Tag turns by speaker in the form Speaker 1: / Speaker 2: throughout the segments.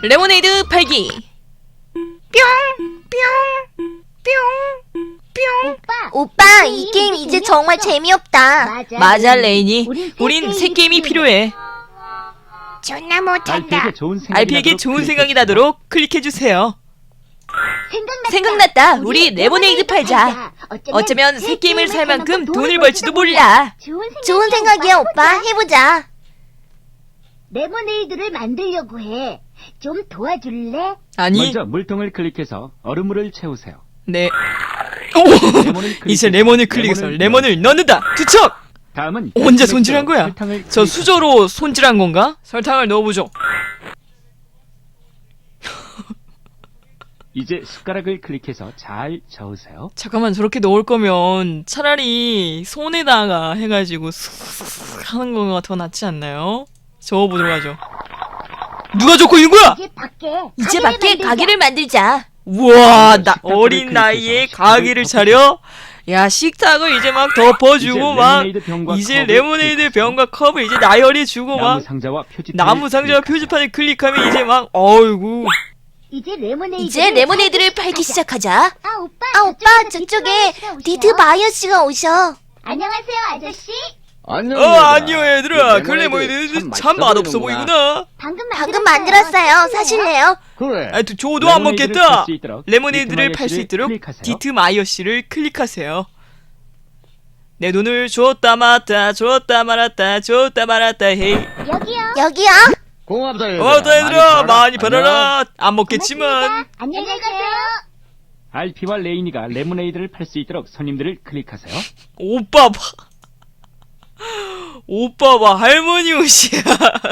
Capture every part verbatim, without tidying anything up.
Speaker 1: 레모네이드 팔기.
Speaker 2: 오빠, 이 게임 이제 정말 재미없다.
Speaker 3: 맞아,
Speaker 1: 맞아 레인이.
Speaker 3: 우린
Speaker 1: 우린
Speaker 3: 새
Speaker 1: 새 게임이 필요해.
Speaker 2: 존나 못한다.
Speaker 4: 알피에게 좋은 생각이
Speaker 1: 알피에게
Speaker 4: 나도록
Speaker 1: 좋은
Speaker 4: 클릭해
Speaker 1: 생각이
Speaker 4: 주세요.
Speaker 1: 나도록 클릭해주세요.
Speaker 3: 생각났다.
Speaker 1: 생각났다. 우리 레모네이드 팔자. 어쩌면 새 게임을 살 만큼 돈을 벌지도 몰라.
Speaker 3: 좋은,
Speaker 2: 좋은 생각이야, 오빠. 해보자.
Speaker 3: 레모네이드를 만들려고 해. 좀 도와줄래?
Speaker 1: 아니,
Speaker 4: 먼저 물통을 클릭해서 얼음물을 채우세요.
Speaker 1: 네. 오!
Speaker 4: 레몬을
Speaker 1: 이제
Speaker 4: 클릭해서
Speaker 1: 레몬을 클릭해서
Speaker 4: 레몬을
Speaker 1: 레몬을 넣는다. 투척!
Speaker 4: 다음은
Speaker 1: 언제
Speaker 4: 설탕을
Speaker 1: 손질한 거야?
Speaker 4: 설탕을
Speaker 1: 저
Speaker 4: 클릭해서
Speaker 1: 수저로 손질한 건가? 설탕을 넣어보죠.
Speaker 4: 이제 숟가락을 클릭해서 잘 저으세요.
Speaker 1: 잠깐만, 저렇게 넣을 거면 차라리 손에다가 해가지고 슥슥슥 하는 거가 더 낫지 않나요? 저어보도록 하죠. 누가 적고 있는 거야?
Speaker 3: 이제 밖에
Speaker 2: 이제
Speaker 3: 가게를
Speaker 2: 밖에
Speaker 3: 만들자.
Speaker 2: 가게를 만들자.
Speaker 1: 우와, 나
Speaker 4: 식탁을
Speaker 1: 어린
Speaker 4: 클릭해서
Speaker 1: 나이에
Speaker 4: 식탁을
Speaker 1: 가게를
Speaker 4: 덮어주세요.
Speaker 1: 차려? 야, 식탁을 이제 막 덮어주고
Speaker 4: 이제
Speaker 1: 막
Speaker 4: 레모네이드 병과
Speaker 1: 이제
Speaker 4: 컵을
Speaker 1: 레모네이드
Speaker 4: 클릭하세요.
Speaker 1: 병과 컵을 이제 나열해 주고
Speaker 4: 나무
Speaker 1: 막
Speaker 4: 상자와 표지판
Speaker 1: 나무 상자와 표지판을 클릭하면 이제 막 어이구.
Speaker 3: 이제 레모네이드
Speaker 2: 이제 레모네이드를 팔기 시작하자.
Speaker 3: 아 오빠,
Speaker 2: 아, 오빠, 저쪽에 디트 마이어 씨가 오셔.
Speaker 3: 안녕하세요 아저씨.
Speaker 5: 안녕.
Speaker 1: 어, 안녕 얘들아. 그 레모네이드 참 맛없어 보이구나.
Speaker 3: 방금
Speaker 2: 방금 만들었어요. 사실래요?
Speaker 5: 그래.
Speaker 1: 아, 또 저도 안
Speaker 4: 레모네이드를
Speaker 1: 먹겠다.
Speaker 4: 팔 수 있도록
Speaker 1: 레모네이드를
Speaker 4: 디트
Speaker 1: 팔 수
Speaker 4: 마이어
Speaker 1: 있도록
Speaker 4: 씨를 클릭하세요.
Speaker 1: 디트 마이어 씨를 클릭하세요. 내 돈을 줬다 말았다 줬다 말았다 줬다 말았다 헤이.
Speaker 3: 여기요.
Speaker 2: 여기요.
Speaker 5: 고맙다 얘들아.
Speaker 1: 어, 얘들아 많이
Speaker 5: 안녕.
Speaker 1: 팔아라. 안 먹겠지만.
Speaker 3: 고맙습니다. 안녕히 가세요.
Speaker 4: 알피와 레이니가 레모네이드를 팔 수 있도록 손님들을 클릭하세요.
Speaker 1: 오빠 봐. 오빠 봐. 할머니 옷이야.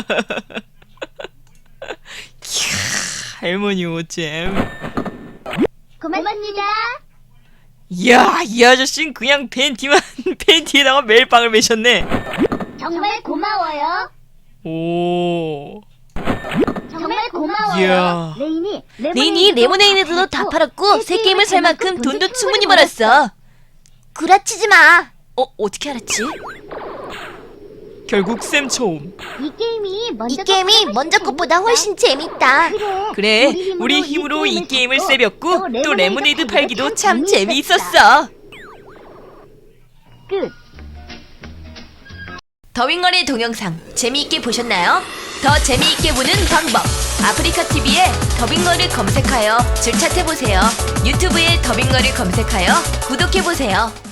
Speaker 1: 이야, 할머니 옷잼.
Speaker 3: 고맙습니다.
Speaker 1: 이야, 이 아저씨는 그냥 팬티만 팬티에다가 멜빵을 매셨네.
Speaker 3: 정말 고마워요.
Speaker 1: 오.
Speaker 3: 정말 고마워요.
Speaker 1: 이야.
Speaker 3: 레인이
Speaker 2: 레인이 레모네이드도 다 팔았고 새 게임을 살 만큼 돈도 충분히 벌었어. 구라치지 마. 어, 어떻게 알았지?
Speaker 1: 결국 쌤 처음.
Speaker 3: 이 게임이 먼저
Speaker 2: 이 게임이 먼저 것보다 훨씬 재밌다.
Speaker 3: 그래.
Speaker 1: 그래, 우리 힘으로 이 게임을 세볐고 또 레모네이드 팔기도 참 재미있었어.
Speaker 3: 끝.
Speaker 2: 더빙거리 동영상 재미있게 보셨나요? 더 재미있게 보는 방법, 아프리카티비에 더빙거를 검색하여 줄 찾아보세요. 유튜브에 더빙거를 검색하여 구독해보세요.